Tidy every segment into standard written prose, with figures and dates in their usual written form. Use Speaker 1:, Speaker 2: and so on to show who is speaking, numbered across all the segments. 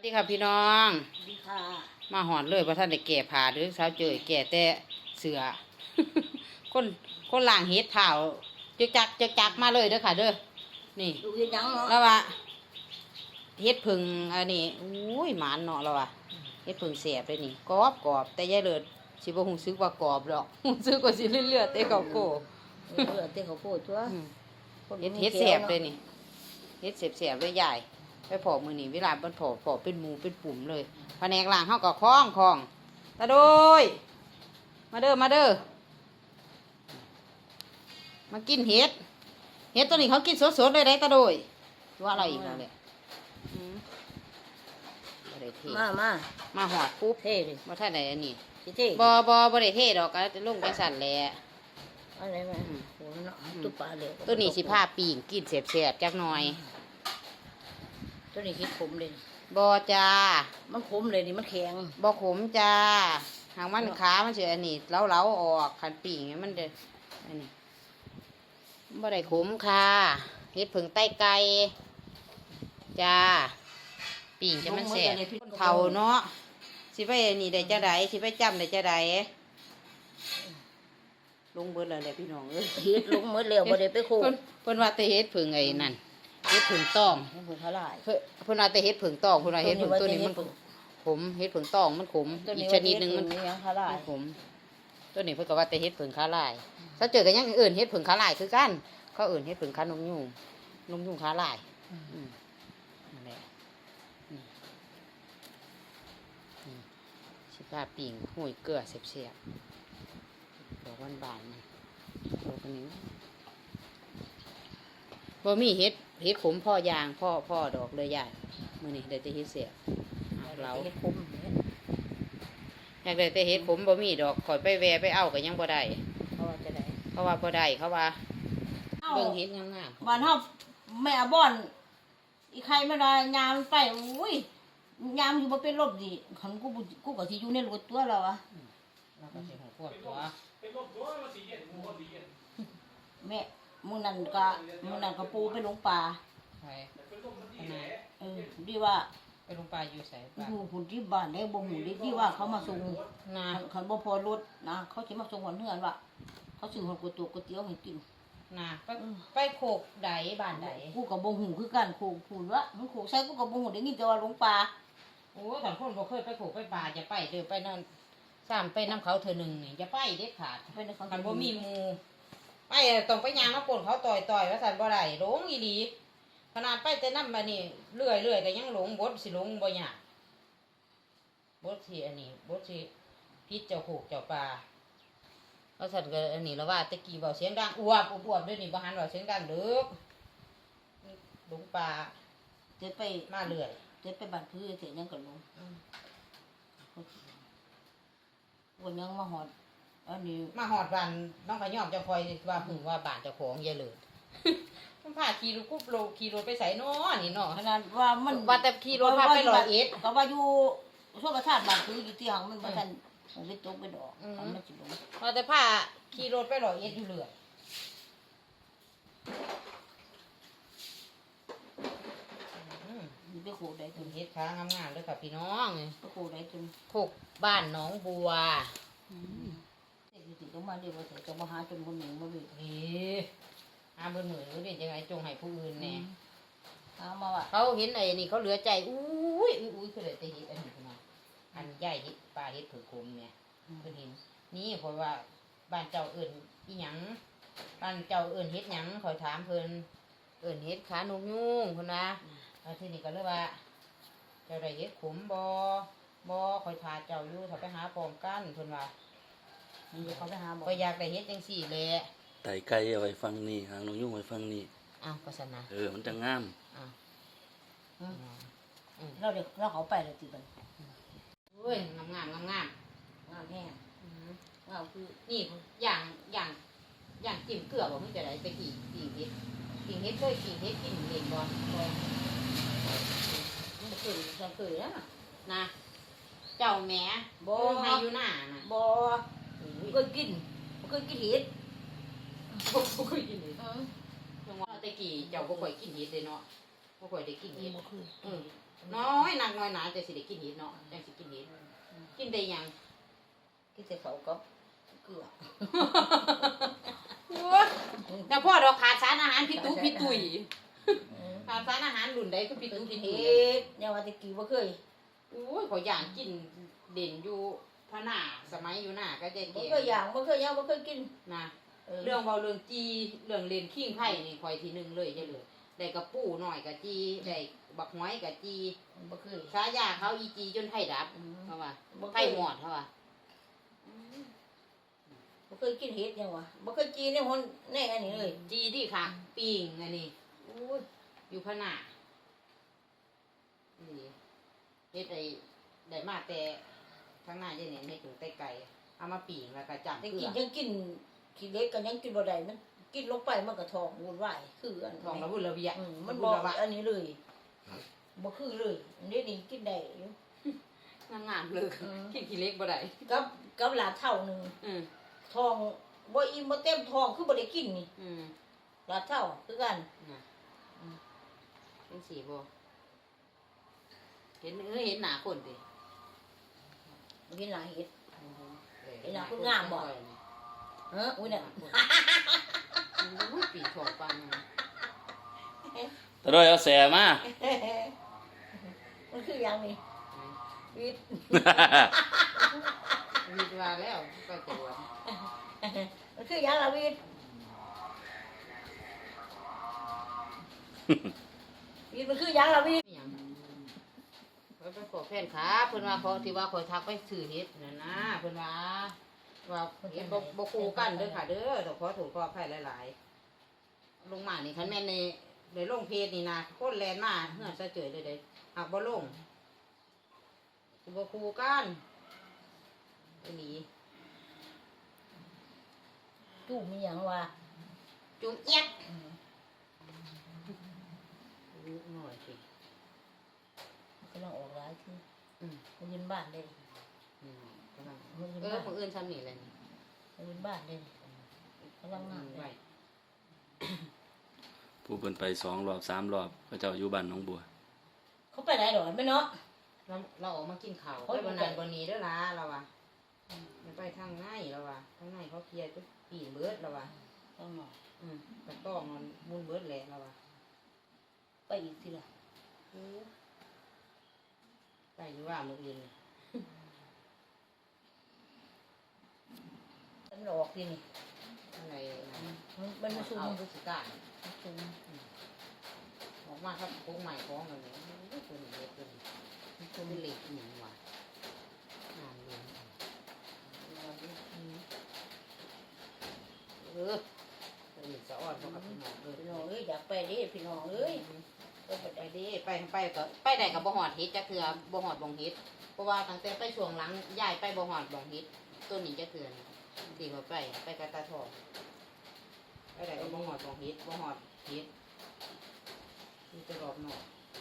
Speaker 1: ดีค่ะพี่น้อง
Speaker 2: ดีค่ะ
Speaker 1: มาหอดเลยเพราะท่านได้แก่ผ่าหรือสาวเจยแก่แต่เสือ คนล่างเฮ็ดเผาจึกจักมาเลยเด้อค่ะเด้อนี่
Speaker 2: ดูเฮ็ดหยังเนาะ
Speaker 1: แล้วว่าเฮ็ดผึ่งอันนี้อุ้ยหมานเนาะแล้วว่าเฮ็ดผึ่งแสบเลยนี่กรอบแต่ยายเลิศสิบ่ฮู้สึกว่ากรอบดอกฮู้สึกว่าสิเลือดๆแต่เขาโก
Speaker 2: เต้เขาโพดตัว
Speaker 1: เฮ็ดแสบเลยนี่เฮ็ดแสบเลยใหญ่ไปพอมือนี่เวลามันพอเป็นหมูเป็นปุ่มเลยแผนกล่างเฮาก็คล้องตาโดยมาเด้อมากินเห็ดตัวนี้เขากินสดๆเลยได้ตาโดยว่าอะไรอีกแล้วเนี่ยบ่ได้เทมาหอดปุ๊บ
Speaker 2: เท่ดิ
Speaker 1: บ่ทันได้อันนี้
Speaker 2: เท่
Speaker 1: บ่ได้เทดอกก็จะลงจังสั่นแหละ
Speaker 2: อะไรมาโหเนาะตุ๊ปลาเหลว
Speaker 1: ตัวนี้สิพาปีงกินแซ่บๆจักหน่อย
Speaker 2: ตัวนี้คิดขมเลย
Speaker 1: บ่จ้า
Speaker 2: มันขมเลยนี่มันแข็ง
Speaker 1: บ่ขมจ้าหางมันขามันสิอันนี้เล้าออกคันปีงมันเด้ออันนี้บ่ได้ขมค่ะเฮ็ดผึ่งไต้ไก่จ้าปีงจะมันแซ่บคนเฒ่าเนาะสิไปนี่ได้จังไดสิไปจำได้จังไดลงเบิดแล้วแหละพี่น้องเอ้ย
Speaker 2: เฮ็ดลงหมดแล้วบ่ได้ไปโค
Speaker 1: เพิ่นว่าแต่เฮ็ดผึ่งไอ้นั่นเฮ็ดผึ่งต้อง
Speaker 2: เพิ่นเขาหลาย
Speaker 1: เพิ่นว่าแต่เฮ็ดผึ่งต้องเพิ่นว่าเฮ็ดผึ่งตัวนี้มันขมเฮ็ดผึ่งต้องมันขมอีกชนิดนึงมันขมตัวนี้เพิ่นก็ว่าแต่เฮ็ดผึ่งขาลายถ้าเจอกันอย่างอื่นเฮ็ดผึ่งขาลายคือกันเขาอื่นเฮ็ดผึ่งขานมยุ่งขาลายนั่นแหละสิปลาปิ่งห้วยเกลือเสียบๆดอกบานๆนี่ดอกนี้บ่มีเฮ็ดขมพ่อยางพ่อดอกเลยใหญ่มื้อนี้ได้แต่เฮ็ดเสียบเรา
Speaker 2: เฮ็ดขม
Speaker 1: อยากได้แต่เฮ็ดขมบ่มีดอกข่อยไปแวไปเอาก็ยังบ่ได้
Speaker 2: เขาว่าจะได้
Speaker 1: เขาว่าบ่ได้เขาว่าเบิ่งเฮ็ดงาม
Speaker 2: ๆบ้านเฮาแม่บ่อนอีใครไม่ได้ยามไปอุ้ยยามอยู่บ่เป็นลมดิคันกูก็สิอยู่ในรถตัวแล้วอะ
Speaker 1: เราก็สิหัวพวกตัว
Speaker 3: เป็นลมตัวมันสิเย็นมันบ่ดีเย็น
Speaker 2: แม่มื้อนั้นก็ปูไปลงป่า
Speaker 1: ใช่
Speaker 3: เป็นลมมันดีแหละ
Speaker 2: ดีว่า
Speaker 1: ไปลงปลาอยู่ไสปลา
Speaker 2: อยู่พุ่นที่บ้านได้บ่ฮู้ดีว่าเขามาส่ง
Speaker 1: นา
Speaker 2: คันบ่พอรถนะเขาสิมาส่งวันเฮือนว่าเขาซื้อฮอดก๋วยเตี๋ยวให้กิน
Speaker 1: นาไปโคกใดบ้านใด
Speaker 2: กูก็บ่ฮู้คือกันโคกพูนว่ามันโคกใส่กูก็บ่ฮู้ได้ยินแต่ว่าลงป่า
Speaker 1: โอ้ถ้าคนบ่เคยไปโคกไปป่าจะไปเด้อไปนั่นซ้ำไปน้ำเขาเทื่อนึงนี่อย่าไปเด็ดขาดคันบ่มีหมู่ไปต้องไปย่างน้ำปนเขาต่อยว่าซั่นบ่ได้หลงอีหลีขนาดไปแต่น้ำมานี่เรื่อยก็ยังหลงบดสิหลงบ่ยากบดสิอันนี้บดสิพิษเจ้าโคกเจ้าป่าแล้วฉันก็อันนี้แล้วว่าตะกี้เบาเสียงดังอวบด้วยนี่บ่หันเบาเสียงดังเด้อหลงป่า
Speaker 2: เจะไป
Speaker 1: มาเรื่อย
Speaker 2: จะไปบ้านพื้นเสร็จยังก็ลงวันยังมาหอดอันนี้
Speaker 1: มาหอดบ้านน้องขยอมจะคอยว่าหึงว่าบ้านเจ้าของอย่าเลยมันพาขี่รถกุ๊บโลขี่รถไปใส่น้อนี่เนาะ
Speaker 2: ขนาดว่ามัน
Speaker 1: ว่าแต่ขี่รถพาไป101
Speaker 2: ก็ว่าอยู่ชั่วประทานบ้านพื้นอยู่ที่หังมันบ่ทันไปตกไปดอกมันสิลง
Speaker 1: ว่าแต่พาขี่รถไป101อยู่เรื่อย
Speaker 2: ไปโคกได้ถึง
Speaker 1: เฮ็ดค้างามๆเด้อค่ะพี่น้อง
Speaker 2: ไปโคกได้ถึง
Speaker 1: โคกบ้านหนองบัว
Speaker 2: สิต้องมาเดี๋ยวว่าจะมาหาจนคนหนึ่งมาบิด
Speaker 1: เบิ่นมือนี่จังไงจงให้ผู้อื่นแน่
Speaker 2: มาว่า
Speaker 1: เขาเห็นไอ้นี่เขาเหลือใจอุ้ยคือเลยแต่เฮ็ดอันนี้ขึ้นมาอันใหญ่เฮ็ดปลาเฮ็ดผือคมเนี่ยเพิ่นเห็นนี่เพราะว่าบ้านเจ้าเอิ้นอีหยังบ้านเจ้าเอิ้นเฮ็ดหยังขอยถามเพิ่นเอิ้นเฮ็ดขานกยุงเพิ่นนะทีนี้ก็เลยว่าเจ้าได้เฮ็ดขมบ่คอยทาเจ้าอยู่ถ้าไปหาพร้อมกันเพิ่นว่า
Speaker 2: เขาไปหาบ่
Speaker 1: ก็อยากได้เฮ็ดจังซี่แหละ
Speaker 3: ไต่ไก่เอาไว้ฟังนี่หางนกยุงไว้ฟังนี่
Speaker 1: อ้าวก็ซั่นนะ
Speaker 3: มันจะงาม
Speaker 1: อ้าว
Speaker 2: เราเขาไปเลยติบัด
Speaker 1: เอ้ยงาม
Speaker 2: งามแห้งงามคือ
Speaker 1: นี่อย่างจิ้มเกลือบ่มีแต่ไดไปกี่เฮ็ดเคยกินเฮ็ดกินเห็นบ่
Speaker 2: มันเคยจังเคย
Speaker 1: นะเจ้าแม่บ่ให้อยู่หน้าน่ะ
Speaker 2: บ่เคยกินเห็ด
Speaker 1: บ่เคยกินเห็ดจังว่าแต่กี้เจ้าบ่ค่อยกินเห็ดเลยเนาะบ่ค่อยได้กินเห็ดน้อยหนักน้อยหนาจะสิได้กินเห็ดเนาะจังสิกินเห็ดกินได้หยัง
Speaker 2: กินแต่เขากับเกลือ
Speaker 1: แต่พ่อเราขาดสารอาหารพิตุพิตุยขาดสารอาหารรุ่นใดก็พิตุพิตุ
Speaker 2: เฮ็
Speaker 1: ย
Speaker 2: ดเนี่ยว่าตะกี้บ่เคย
Speaker 1: โอ้ยขอยย่างกินเด่นอยู่พระหน้าสมัยอยู่หน้าก็จะ
Speaker 2: บ่
Speaker 1: เก่
Speaker 2: เคยย่างบ่เคยย่างบ่เคยกิน
Speaker 1: นะเรื่องเบาเรื่องจีเรื่องเล่นขิงไผ่นี่คอยทีหนึงเลยจะเลยได้กระปูหน่อยกับจีได้บักหอยกับจี
Speaker 2: บ่เคย
Speaker 1: ฉายาเขาอีจีจนไผ่ดับเขาว่าไผ่หมอดเขาว่า
Speaker 2: บ่เคยกินเฮ็ดยังวะบ่เคยกินในหนแน่อันนี้เลย
Speaker 1: จีที่ค่ะปิงอันนี้
Speaker 2: โอ้ย
Speaker 1: อยู่พระหน้านี่เฮ็ดได้มาแต่ข้างหน้าเจเนี่ยให้ถึงไต้ไก่เอามาปิงแล้วก็จับ
Speaker 2: แต่
Speaker 1: เกลื
Speaker 2: กิ
Speaker 1: อน
Speaker 2: ยังกินขี้เล็กก็ยังกินบ่ได้มันกินลงไปมันก็ท้องวุ่นวายคืออัน
Speaker 1: ทองระบุระเบีย
Speaker 2: มันบอกอันนี้เลยบ่คือเลยอันนี้นี่กินได้อยู่
Speaker 1: งามๆเลยกินขี้เล็กบ่ได้
Speaker 2: กับหลาเท่านึง
Speaker 1: อืม
Speaker 2: ท้องบ่อิ่มบ่เต็มท้องคือบ่ได้กินนี่
Speaker 1: อืม
Speaker 2: หลาเท่าคือกัน
Speaker 1: น่ะเป็นสีบ่เห็นเห็นหน้าคนดิ
Speaker 2: บ่กินหลายเฮ็ด
Speaker 1: เห็
Speaker 2: นหน้าคนงามบ่ อุ้ยเนี่ย
Speaker 1: อุ้ยปีกของปัง
Speaker 3: ตะดอยเอาแสมา
Speaker 2: มันคืออย่างนี้วิทย์
Speaker 1: วิดว่าแล้วไปตรวจ
Speaker 2: มันคืออย่างละวิทย์วิทย์มันคืออย่างละวิทย์
Speaker 1: อิหยังไปขอแฟนขาเพิ่นว่าเขาที่ว่าคอยทักไปซื้อเฮ็ดนั่นนะเพิ่นว่าเฮ็ดบ่คู่กันเด้อค่ะเด้อต้องขอโทษขออภัยหลายๆลงมานี่คันแม่นในลงเพจนี่นะคนแลนมาเฮือนซะเจยเลยเด้หากบ่ลงสิบ่คู่กันอีหลี
Speaker 2: ตู้มีอย่างว่า
Speaker 1: จุ๊บเอี๊ยดลูกหน่อยสิ
Speaker 2: กำลังออกร้ายคือ
Speaker 1: อืม
Speaker 2: มายืนบ้านเลย
Speaker 1: กำลัง
Speaker 2: มายืน
Speaker 1: มื้
Speaker 2: บ้าน
Speaker 1: ออื่นทำนี่แหละนี่
Speaker 2: มายืนบ้านเลยกำลังงาน
Speaker 1: ไว้
Speaker 3: ผู้เพิ่นไป2 รอบ 3 รอบเขาเจ้าอยู่บ้านหนองบัว
Speaker 2: เขาไปไหนหรอไม่เนาะ
Speaker 1: เราออกมากินข้าว
Speaker 2: เขา
Speaker 1: ไป
Speaker 2: อยู่
Speaker 1: วัน
Speaker 2: ไหน
Speaker 1: นั้นวันนี้เด้อล่ะเราว่ะอย่าไปทางในเราว่ะทางในเขาเคลียร์จุดปีนเบิดเราว่ะ
Speaker 2: ต้องหนอ
Speaker 1: กระต้องมันมุนเบิดแหละเราว่ะ
Speaker 2: ไปอีกทีละ
Speaker 1: ไปอยู่ว่ามื้ออื่น
Speaker 2: มันออกทีนี่
Speaker 1: อะไรนะ
Speaker 2: มันมาชุม
Speaker 1: เอาพฤศจิกายน
Speaker 2: ชุม
Speaker 1: ออกมาครับโค้งใหม่ของกันเลยตัวนี้เล็กตัวนี้ตัวนี้เล็กอีหยังวะงานเลี้ยงตัวนี้สะอ่อนเพราะกับพี่น้อง
Speaker 2: พี่น้องเอ้ยอยากไปดิพี่น้องเอ้ย
Speaker 1: ไปดิไปก็ไปได้กับบ่หอดเฮ็ดจักเทื่อบ่หอดบ่งเฮ็ดเพราะว่าตั้งแต่ไปช่วงหลังย้ายไปบ่หอดบ่งเฮ็ดต้นนี้จักเทื่อดีกว่าไปกับตาทองไปได้กับบ่หอดบ่งเฮ็ดบ่หอดเฮ็ดมีแต่รอบนอก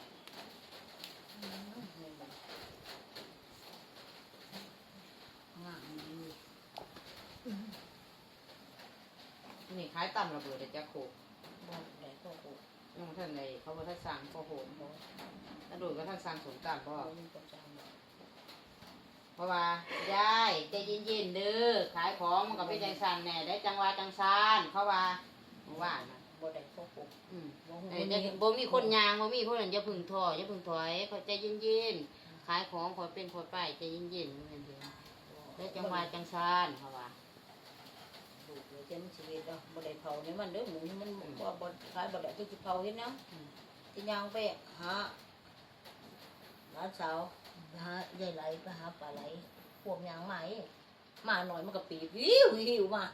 Speaker 1: นี่ขายตำระเบิดเดี๋ยวจะโขก
Speaker 2: บ้านไหนก็โอ้
Speaker 1: น้องท่านใดเขาบ่ทันสั่งก็โหนถ้าโดยก็ท่านสั่งสมตำเพราะว่า
Speaker 2: มีประจำ
Speaker 1: เพราะว่ายายใจเย็นๆเด้อขายของมันก็เป็นจังซันแน่ได้จังหวะจังซานเพราะว่าว่านะ
Speaker 2: บ่ได้ก็โอ้
Speaker 1: บ่มีคนยางบ่มีคนนั้นอย่าพึ่งท้ออย่าพึ่งถอยเขาใจเย็นๆขายของขอเป็นขอไปใจเย็นๆเหมือนเดิมได้จังหวะจังซานเพราะว่า
Speaker 2: ดูเลยจะมันชีวิตเนาะบ่ได้เผาเนี่ยมันเด้อหมูมันบ่ขายบ่ได้ก็สิเผาเฮ็ดเนาะที่ย่างไปหาหลานสาวหายายไหลไปหาปลาไหลพวกย่างใหม่มาหน่อยมันก็ปีบหิวมา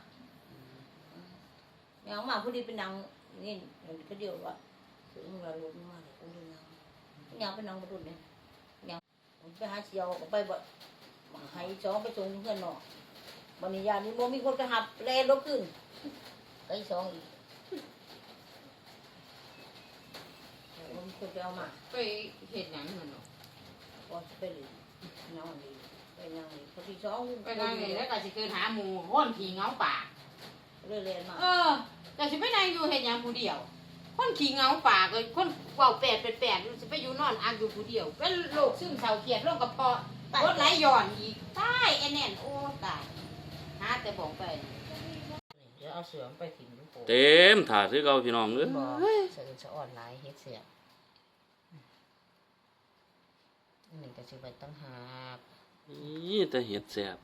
Speaker 2: ย่างมาพอดีเป็นนางนี่ก็เดียวว่าถึงเราลดมาเลยกูดูย่างเป็นนางบ่ดุเนี่ยย่างไปหาเสียวก็ไปบ่ให้สองไปส่งเพื่อนเนาะบัดนี้ยานี่บ่มีคนไปหับแลลบขึ้นไปสองอีกบ่มีคนไปเอามา
Speaker 1: ไปเฮ็ดหยังนั่นเนาะ
Speaker 2: ก็ไปเลยนอนดีไปนั่งดีพอที่สอง
Speaker 1: ไปนั่งนี่แล้วก็สิเกินหาหมู่ห้อนผีเงาป่า
Speaker 2: เรื่อยๆมา
Speaker 1: แต่สิไปนั่งอยู่เฮ็ดหยังผู้เดียวคนขี้เหงาปากเลยคนเว้าแปดสิไปอยู่นอนอักอยู่ผู้เดียวเป็นโรคซึมเศร้าเครียดโรคกระเพาะรถไหลย้อนอีกตายไอ้แน่นโอ้ตายหาแต่บอกไปเดี๋ยวเอาเสือมไปถิ่มลูกโป่ง
Speaker 3: เต็มถาดคือเก่าพี่น้องเอ้ย
Speaker 1: บอกเสือจะอ่อนหลายเฮ็ดเสียอันนี้ก็สิไปตั้งหาก
Speaker 3: นี่แต่เห็ดแซ่บ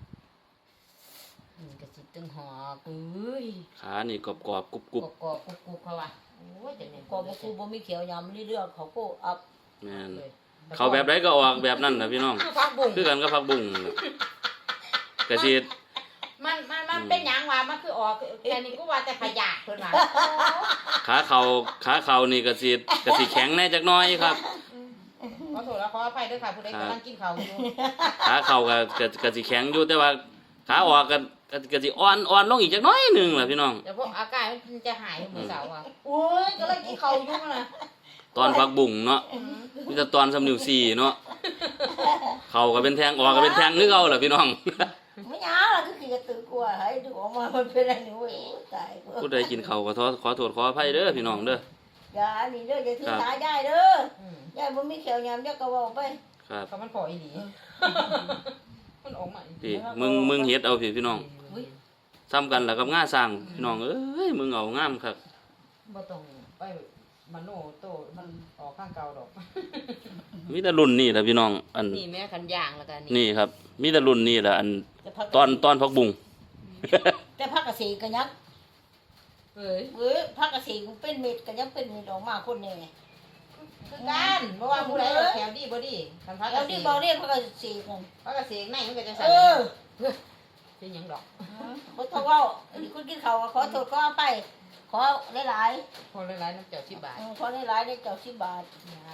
Speaker 1: อันนี้ก็สิตั้งหอกเอ้ย
Speaker 3: ขานี่กรอบๆกรุบ
Speaker 1: กรอบๆกุบๆเขาว่าโอ้ยจังได๋
Speaker 2: ก็บ่คูบ่มีเขียวยำนี่เรื่องเขาก็อัพ
Speaker 3: ๆแม่นเขาแบบใดก็ออกแบบนั้นน่ะพี่น้อง
Speaker 1: คือผักบุ้ง
Speaker 3: คือกันกับผักบุ้งนั่นล่ะกะสิ
Speaker 1: มันเป็นหยังวะมันคือออกแค่นี้กูว่าแต่ขยะเพิ่นว่า
Speaker 3: ขาเข่านี่กะสิแข็งแน่จักหน้อยครับ
Speaker 1: ขอโทษแล้วขออภัยด้วยค่ะผู้ใดกำลังกินข้าวอยู่
Speaker 3: ขาเข่าก็สิแข็งอยู่แต่ว่าขาออกก็สิอ่อนลงอีกจักหน้อยหนึงล่ะพี่น้อง
Speaker 1: เดี๋ยวพวกอาการมันจะหายมื้อเสาร์อ่ะโอ้ยกำลังกินข้าวอยู่น่ะ
Speaker 3: ตอนผักบุ้งเนาะมีแต่ตอนสำนิ้วสี่เนาะเข่าก็เป็นแทงออกก็เป็นแทงคือเก่าล่ะพี่น้อง
Speaker 2: ไม่ยาล่ะก็คือกระตือกลัวให้ดูออกมามันเป็นอะไรนี่เว้ยตายกู
Speaker 3: ผู้ใดกินข้าวก็ขอโทษขออภัยเด้อพี่น้องเด้อ
Speaker 2: อย่าอันนี้เด้ออย่าถือ
Speaker 3: ครับ
Speaker 2: สายได้เด้อ
Speaker 1: อืม
Speaker 2: ยายบ่มีเขียวยำยายก็เว้าไป
Speaker 3: ครับ
Speaker 1: ก็มันพออีหลีมันออกมาอี
Speaker 3: พี่มึงเฮ็ดเอาพี่น้อง
Speaker 2: อุ้ย
Speaker 3: ซ้ำกันแล้วกับง่าสร้างพี่น้องเอ้ยมึงเอางามครับ
Speaker 1: บ่ต้องไปมโนโตมันออกข้างเก่าดอก
Speaker 3: มีแต่รุ่นนี่แหละพี่น้องอัน
Speaker 1: นี่แม่คันย่างแล้วกัน
Speaker 3: นี่ครับ มีแต่รุ่นนี่แหละอัน
Speaker 2: แต่พัก
Speaker 3: ตอนพักบุ้ง
Speaker 2: แต่พักกระสีก็ยัง
Speaker 1: เอ้ย
Speaker 2: พักกระสีก็เป็นเม็ดก็ยังเป็นเม็ดออกมาคนนี่ไง
Speaker 1: คือกันบ่ว่าผู้ใดเอาแถวดีบ่ดีคันพักก
Speaker 2: แล้
Speaker 1: ระ
Speaker 2: ว
Speaker 1: เส
Speaker 2: นี่
Speaker 1: ง
Speaker 2: บอกเรียกพักกระสีกัน
Speaker 1: พักกระเสงในมันก็จะ
Speaker 2: เอ
Speaker 1: สั่น
Speaker 2: อ
Speaker 1: เป็นหยังดอก
Speaker 2: เขาโทรเว่าคุณกินข้าวขอโทษขอไป ขอหลาย
Speaker 1: พอหลายๆน้ำเจ้า10 บาท
Speaker 2: ๆขอหลายๆได้เจ้า10 บาท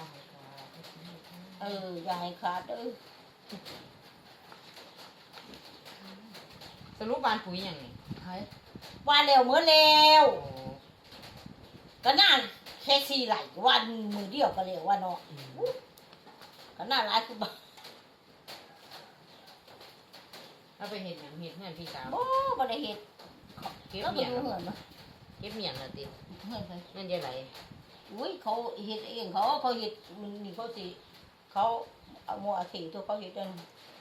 Speaker 2: อย่าให้ขาดเด้อ
Speaker 1: สรุปบ้านปุ๋ยหยังนี่
Speaker 2: ว่าแล้วเมื่อแล้ว
Speaker 1: โอ้
Speaker 2: ก็น่าแค่4ไหลวันมือเดียวก็แล้วว่าเนาะก็น่าหลายคือบ่
Speaker 1: เอาไปเฮ็ดหยังเฮ็ดเฮือนพี่สาว
Speaker 2: บ่ได้เฮ็ด
Speaker 1: เก็บ
Speaker 2: ก็ไป
Speaker 1: เมียง
Speaker 2: ดูเหือนมา
Speaker 1: เก็บเมียงละติ
Speaker 2: เหือนไป
Speaker 1: นั่นจะไหล
Speaker 2: อุ้ยเขาเฮ็ดเองเขาเฮ็ดนี่เขาสิเขาเอาหมัวอาเขตัวเขาเฮ็ดอัน